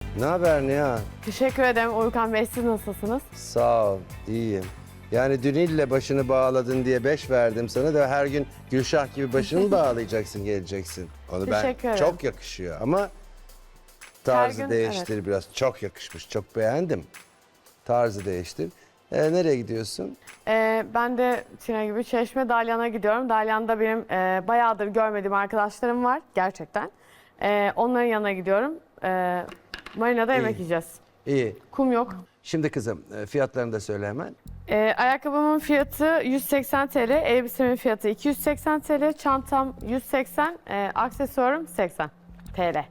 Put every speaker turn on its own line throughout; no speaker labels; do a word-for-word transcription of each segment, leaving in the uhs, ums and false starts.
Ne haber Nihan?
Teşekkür ederim Uykan Bey. Siz nasılsınız?
Sağ ol, iyiyim. Yani dün ille başını bağladın diye beş verdim sana da her gün Gülşah gibi başını mı bağlayacaksın, geleceksin. Onu ben
Teşekkür ederim.
çok yakışıyor ama tarzı
gün,
değiştir
evet.
biraz. Çok yakışmış, çok beğendim. Tarzı değiştir. Ee, nereye gidiyorsun?
Ee, ben de Çin'e gibi Çeşme Dalyan'a gidiyorum. Dalyan'da benim e, bayağıdır görmediğim arkadaşlarım var gerçekten. Ee, onların yanına gidiyorum. Ee, Marina'da yemek
İyi.
yiyeceğiz.
İyi.
Kum yok.
Şimdi kızım e, fiyatlarını da söyle hemen.
Ee, ayakkabımın fiyatı yüz seksen TL, elbisemin fiyatı iki yüz seksen TL, çantam yüz seksen, e, aksesuarım seksen TL.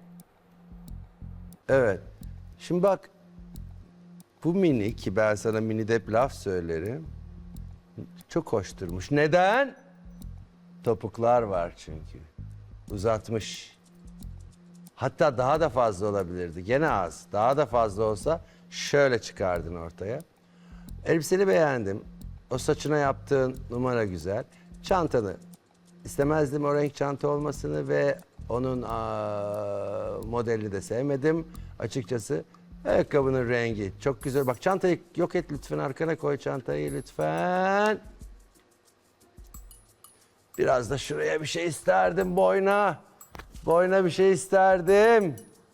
Evet. Şimdi bak bu mini ki ben sana mini de hep laf söylerim. Çok hoş durmuş. Neden? Topuklar var çünkü. Uzatmış. Hatta daha da fazla olabilirdi. Gene az. Daha da fazla olsa şöyle çıkardın ortaya. Elbiseni beğendim. O saçına yaptığın numara güzel. Çantanı istemezdim o renk çanta olmasını ve onun aa, modelini de sevmedim açıkçası. Ayakkabının rengi çok güzel. Bak çantayı yok et lütfen, arkana koy çantayı lütfen. Biraz da şuraya bir şey isterdim, boyna. Boyna bir şey isterdim.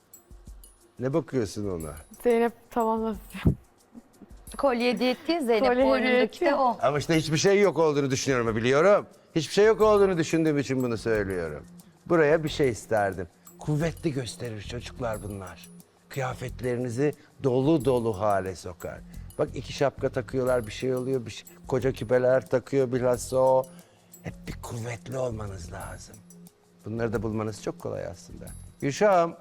Ne bakıyorsun ona?
Zeynep tamamlasın.
Kolye hediye etti ya Zeynep,
Kolye
boynundaki
hediye
de
etti.
o.
Ama işte hiçbir şey yok olduğunu düşünüyorum, biliyorum. Hiçbir şey yok olduğunu düşündüğüm için bunu söylüyorum. Buraya bir şey isterdim. Kuvvetli gösterir çocuklar bunlar. Kıyafetlerinizi dolu dolu hale sokar. Bak iki şapka takıyorlar, bir şey oluyor, bir şey, koca küpeler takıyor bilhassa o. Hep bir kuvvetli olmanız lazım. Bunları da bulmanız çok kolay aslında. Gülşah'ım.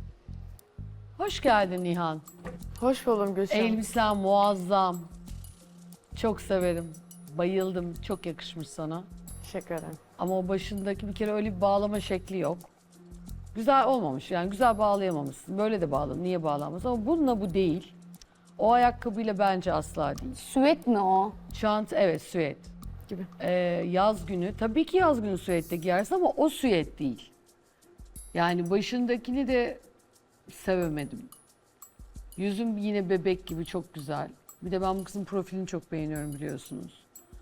Hoş geldin Nihan.
Hoş buldum Gülşen.
Elbisen muazzam. Çok severim. Bayıldım. Çok yakışmış sana.
Teşekkür ederim.
Ama o başındaki bir kere öyle bir bağlama şekli yok. Güzel olmamış. Yani güzel bağlayamamışsın. Böyle de bağlan. Niye bağlanmaz? Ama bununla bu değil. O ayakkabıyla bence asla değil.
Süet mi o?
Çanta evet süet.
Gibi.
Ee, yaz günü. Tabii ki yaz günü süette giyersin ama o süet değil. Yani başındakini de sevemedim. Yüzüm yine bebek gibi çok güzel. Bir de ben bu kızın profilini çok beğeniyorum biliyorsunuz.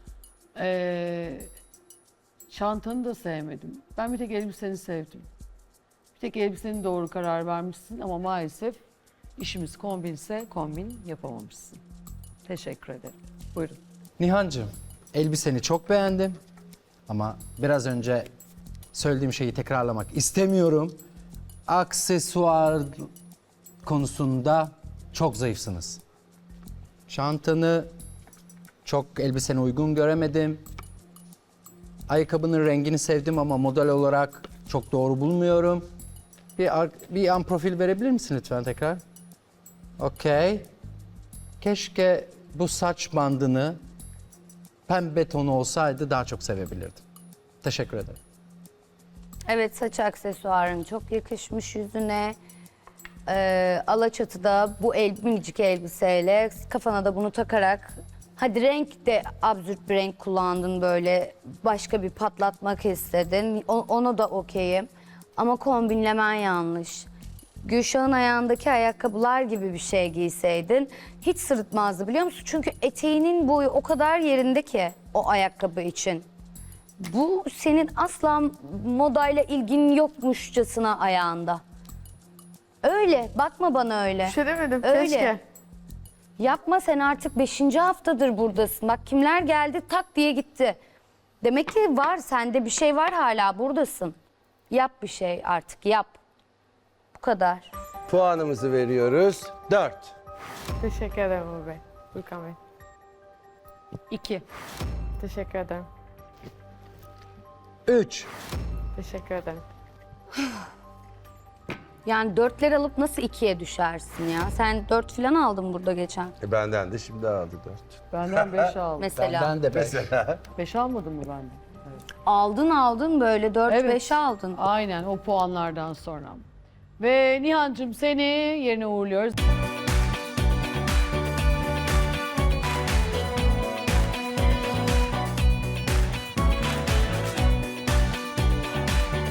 Ee, çantanı da sevmedim. Ben bir tek elbiseni sevdim. Bir tek elbisenin doğru karar vermişsin ama maalesef işimiz kombinse kombin yapamamışsın. Teşekkür ederim. Buyurun.
Nihancığım, elbiseni çok beğendim ama biraz önce söylediğim şeyi tekrarlamak istemiyorum. Aksesuar konusunda çok zayıfsınız. Çantanı çok elbisene uygun göremedim. Ayakkabının rengini sevdim ama model olarak çok doğru bulmuyorum. Bir, ar- bir an profil verebilir misin lütfen tekrar? Okey. Keşke bu saç bandını pembe tonu olsaydı daha çok sevebilirdim. Teşekkür ederim.
Evet, saç aksesuarın çok yakışmış yüzüne. Ee, Alaçatı'da bu el, minicik elbiseyle kafana da bunu takarak, hadi renk de absürt bir renk kullandın, böyle başka bir patlatmak istedin. O, ona da okeyim ama kombinlemen yanlış. Gülşah'ın ayağındaki ayakkabılar gibi bir şey giyseydin hiç sırıtmazdı, biliyor musun? Çünkü eteğinin boyu o kadar yerinde ki o ayakkabı için. Bu senin asla modayla ilgin yokmuşçasına ayağında. Öyle, bakma bana öyle.
Bir şey demedim.
Öyle.
Keşke.
Yapma, sen artık beşinci haftadır buradasın. Bak kimler geldi tak diye gitti. Demek ki var, sende bir şey var, hala buradasın. Yap bir şey artık, yap. Bu kadar.
Puanımızı veriyoruz. Dört.
Teşekkür ederim Uğur Bey. Uykan Bey.
İki.
Teşekkür ederim.
Üç.
Teşekkür ederim.
Yani dörtler alıp nasıl ikiye düşersin ya? Sen dört falan aldın burada geçen
E benden de şimdi aldı dört.
Benden beş aldım.
mesela.
Ben de beş.
Beş almadın mı benden?
Aldın aldın böyle dört
Evet.
beş aldın.
Aynen o puanlardan sonra. Ve Nihan'cığım seni yerine uğurluyoruz.